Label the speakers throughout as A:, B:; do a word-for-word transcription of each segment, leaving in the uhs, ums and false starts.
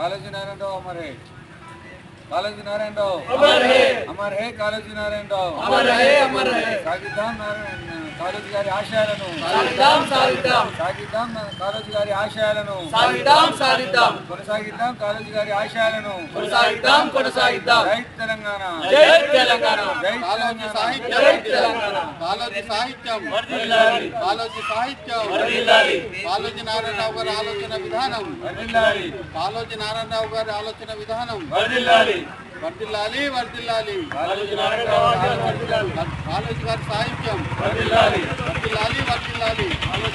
A: कालोजी नारायण राव अमर है, कालोजी नारायण राव अमर है, अमर है कालोजी नारायण राव अमर है, अमर है सागिद्दाम कालोजी गारी आशयाలను సాగిద్దాం సాగిద్దాం సాగిద్దాం కాలోజీ గారి ఆశయాలను సాగిద్దాం సాగిద్దాం కొనసాగిద్దాం కాలోజీ గారి ఆశయాలను కొనసాగిద్దాం కొనసాగిద్దాం జై తెలంగాణ జై తెలంగాణ జై కాలోజీ సాహిత్యం జై తెలంగాణ కాలోజీ సాహిత్యం వర్ధిల్లాలి కాలోజీ సాహిత్యం వర్ధిల్లాలి కాలోజీ నారాయణరావు గారి ఆలోచన విధానం వర్ధిల్లాలి కాలోజీ నారాయణరావు గారి ఆలోచన విధానం వర్ధిల్లాలి వర్ధిల్లాలి వర్ధిల్లాలి కాలోజీ నారాయణరావు గారి వర్ధిల్లాలి కాలోజీ గారి సాహిత్యం వర్ధిల్లాలి వర్ధిల్లాలి వర్ధిల్లాలి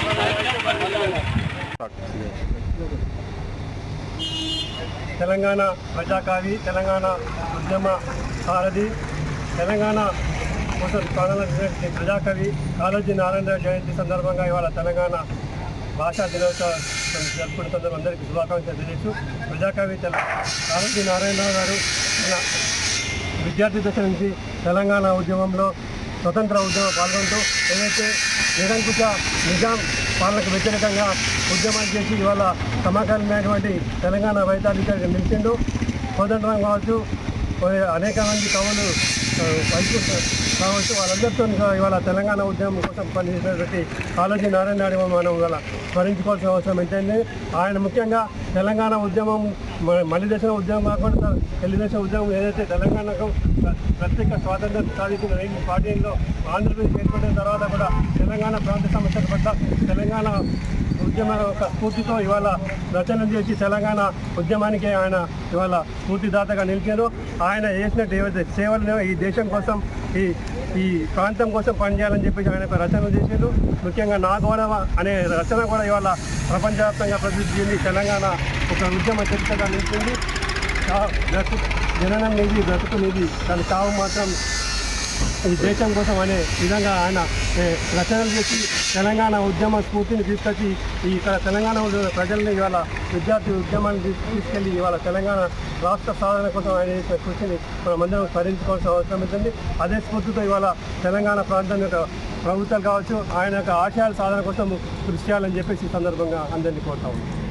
B: తెలంగాణ ప్రజాకవి తెలంగాణ ఉద్యమ సారథి తెలంగాణ కోసం ప్రాణాలు ప్రజాకవి కాళోజీ నారాయణరావు జయంతి సందర్భంగా ఇవాళ తెలంగాణ భాషా దినోత్సవం జరుపుకున్న సందర్భం అందరికీ శుభాకాంక్షలు తెలియజేస్తూ ప్రజాకవి కాళోజీ నారాయణరావు గారు మన విద్యార్థి దశ నుంచి తెలంగాణ ఉద్యమంలో స్వతంత్ర ఉద్యమం పాల్గొంటూ ఏదైతే నిరంకుశ నిజాం పాలనకు వ్యతిరేకంగా ఉద్యమాలు చేసి ఇవాళ సమకాలీనమైనటువంటి తెలంగాణ వైతాధికారిగా నిలిచిండు. కోదండరాం కావచ్చు, అనేక మంది కవులు కావచ్చు, వాళ్ళందరితో ఇవాళ తెలంగాణ ఉద్యమం కోసం పనిచేసినటువంటి కాళోజీ నారాయణ మనం ఇవాళ స్మరించుకోవాల్సిన అవసరం ఏంటంటే ఆయన ముఖ్యంగా తెలంగాణ ఉద్యమం మలి దేశం ఉద్యమం కాకుండా తెలుగుదేశం ఉద్యమం ఏదైతే తెలంగాణకు ప్రత్యేక స్వాతంత్రం సాధించిన రెండు పార్టీల్లో ఆంధ్రప్రదేశ్ ఏర్పడిన తర్వాత కూడా తెలంగాణ ప్రాంత సమస్యల పట్ల తెలంగాణ ఉద్యమ ఒక స్ఫూర్తితో ఇవాళ రచన చేసి తెలంగాణ ఉద్యమానికి ఆయన ఇవాళ స్ఫూర్తిదాతగా నిలిచారు. ఆయన చేసినట్టు ఏవైతే సేవలు ఈ దేశం కోసం ఈ ఈ ప్రాంతం కోసం పనిచేయాలని చెప్పేసి ఆయన రచనలు చేశారు. ముఖ్యంగా నా గౌరవ అనే రచన కూడా ఇవాళ ప్రపంచవ్యాప్తంగా ప్రసిద్ధి చెంది తెలంగాణ ఒక ఉద్యమ చరిత్రగా నిలిచింది. బ్రతుకు జననం నిధి బ్రతుకు నిధి దాని చావు మాత్రం ఈ దేశం కోసం అనే విధంగా ఆయన రచనలు చేసి తెలంగాణ ఉద్యమ స్ఫూర్తిని తీసుకొచ్చి ఈ ఇక్కడ తెలంగాణ ప్రజల్ని ఇవాళ విద్యార్థి ఉద్యమాన్ని తీసుకెళ్ళి ఇవాళ తెలంగాణ రాష్ట్ర సాధన కోసం ఆయన చేసిన కృషిని మనమందరం స్మరించుకోవాల్సిన అవసరం ఉంటుంది. అదే స్ఫూర్తితో ఇవాళ తెలంగాణ ప్రాంతం యొక్క ప్రభుత్వాలు కావచ్చు ఆయన యొక్క ఆశయాల సాధన కోసం కృషి చేయాలని చెప్పేసి ఈ సందర్భంగా అందరినీ కోరుతా ఉన్నాం.